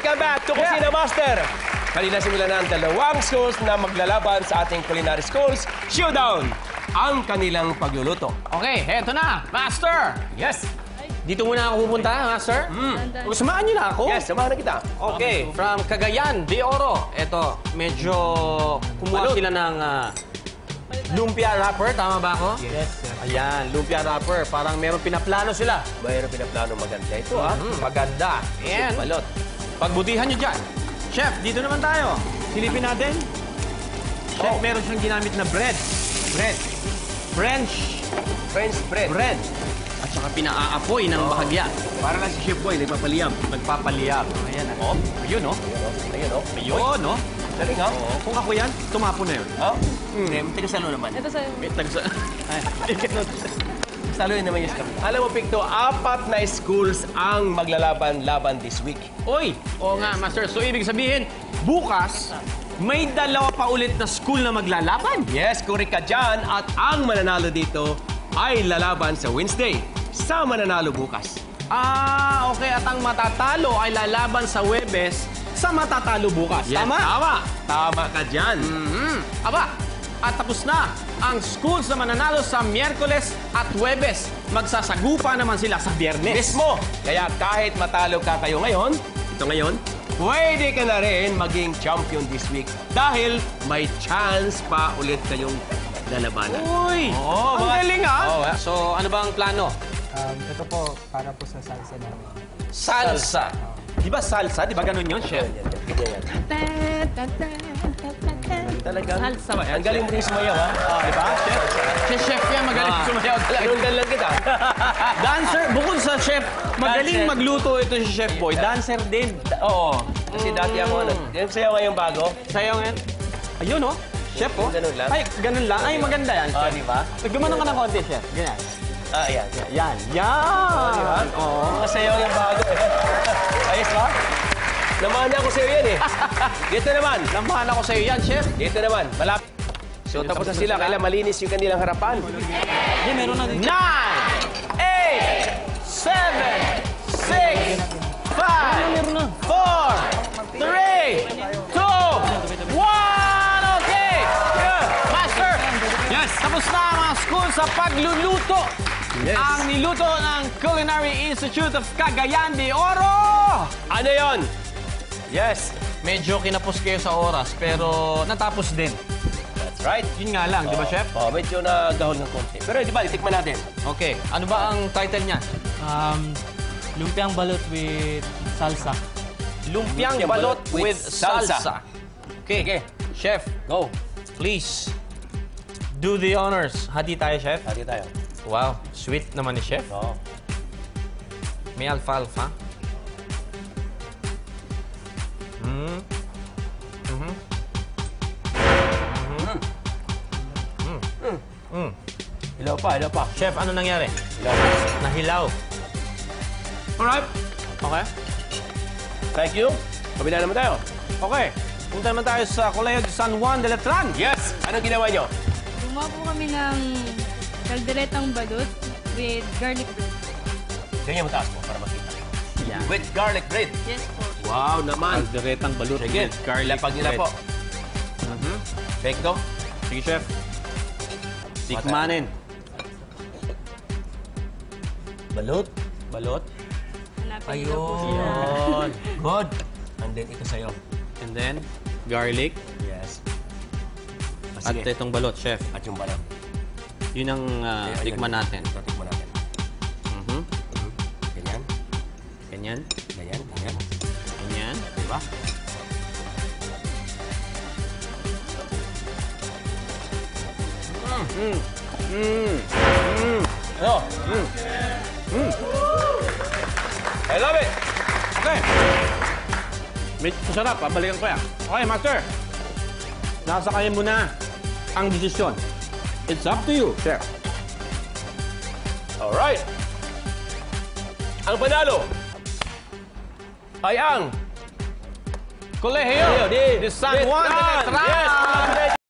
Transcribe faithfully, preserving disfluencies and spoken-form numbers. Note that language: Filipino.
Welcome back to Kusina yeah. Master. Kanina simulan na ang dalawang schools na maglalaban sa ating culinary schools showdown. Ang kanilang pagluluto. Okay, heto na, Master. Yes. Dito muna ako pupunta, Master. Mm. Samahan niyo na ako. Yes, samahan na kita. Okay, from Cagayan de Oro. Ito, medyo kumuha Balot. sila ng uh, lumpia wrapper. Tama ba ako? Yes, sir. Ayan, lumpia wrapper. Parang meron pinaplano sila. Mayroon pinaplano maganda ito, ah. Mm, maganda. Ayan. Balot. Pagbutihan niyo dyan. Chef, dito naman tayo. Silipin natin. Chef, Oh. meron siyang ginamit na bread. Bread. French French bread. bread. At saka pinaaapoy ng bahagya. Para lang si Chef Boy, nagpapaliyam. Nagpapaliyab. Ayan, oh. Ayun, oh. Ayun, oh. Ayun, oh. Galing, ha? Oo. Kung ako yan, tumapo na yun. Oh? Hmm. Tigasalo naman. Ito sa'yo. Wait, tagsa... Salo yun naman yung scam. Alam mo, Picto, apat na schools ang maglalaban-laban this week. Oy! Oo nga, Master. So, ibig sabihin, bukas, may dalawa pa ulit na school na maglalaban. Yes, correct ka dyan. At ang mananalo dito ay lalaban sa Wednesday sa mananalo bukas. Ah, okay. At ang matatalo ay lalaban sa Huwebes sa matatalo bukas. Yes, Tama? Tama. Tama ka dyan. Mm-hmm. Aba, at tapos na ang schools na mananalo sa Miyerkules at Huwebes. Magsasagupa naman sila sa Biyernes. Mismo. Kaya kahit matalo ka kayo ngayon, ito ngayon, pwede ka na rin maging champion this week dahil may chance pa ulit kayong lalabanan. Uy! Oo, ang mga- galing, ha? Oo, ha? So, ano ba ang plano? Um, ito po, para po sa salsa namin. Salsa. Di ba salsa? Di ba ganun yun, Chef? Talagang, Salsa. ang galing mo rin sumayaw, ha? Ah, di ba, Chef? Si Chef yan, magaling Ah. sumayaw talaga. Sinundan lang kita. Dancer, bukod sa chef, magaling Dancer. magluto ito si Chef Boy. Dancer din. Oo. Kasi dati ako, ano, yung sayaw ngayong bago. Sayaw yan. Ayun, oh. Chef, oh. Ganun lang. Ay, ganun lang. Ay, maganda yan, Ah, Chef. di ba? Gumanon ka ng konti, Chef. Ganyan. Ah, ayan. ayan. Yan. Yan. Di ba? Oo. Mga sayaw yung bago. Ayos ba? Namahan ako sa'yo yan, eh. Dito naman. Lamahan ako sa'yo yan, Chef. Dito naman. Malapit. So, tapos na sila. Kailan malinis yung kanilang harapan. Hindi, meron na din. Nine, eight, seven, six, five, four, three, two, one. Okay. Yeah. Master. Yes. Tapos na ang mga school sa pagluluto. Yes. Ang niluto ng Culinary Institute of Cagayan de Oro. Ano yon? Yes. Medyo kinapos kayo sa oras, pero natapos din. That's right. Yun nga lang, di ba, Chef? Oh, medyo nagahol ng konti. Pero di ba, itikman natin. Okay. Ano ba ang title niya? Um, lumpiang balot with salsa. Lumpiang Lumpiang balot balot with with salsa. salsa. Okay. Okay. Chef, Go. please do the honors. Hati tayo, Chef. Hati tayo. Wow, sweet naman ni Chef. Oo. May alfalfa. Mm. Mhm. Mm. Hilaw pa, hilaw pa. Chef, ano nangyari? Hilaw pa. Nahilaw. Alright. Okay? Thank you. Kabila naman tayo. Okay. Punta naman tayo sa Colegio de San Juan de Letran. Yes. Anong ginawa nyo? Gumawa po kami ng kalderetang balot with garlic bread. Ganyan mo taas mo para makita. Yan. With garlic bread. Yes po. Wow naman. Kalderetang balut Sige. with garlic Lapag nila bread. po. Mhm. Pekto. Sige, Chef. Tikmanin. Balot. Balot. Hanapin niyo po sila. Ayun. Good. And then ito sa'yo. And then, garlic. Yes. At itong balot, Chef. At yung balot. Yun ang uh, Ayun, tikman yun. natin. Ito, tikman natin. Mhm. Ganyan. Ganyan. Ganyan. Ganyan. Ganyan. Diba? Mm. Mm. Mm. Ano? Mm. Mm. I love it. Okay. Medyo masarap. Pabalikan ko yan. Okay, Master. Nasa kanya mo na ang desisyon. It's up to you, Chef. Alright. Ang panalo ay ang Colegio de de San Juan de Letran. Yes.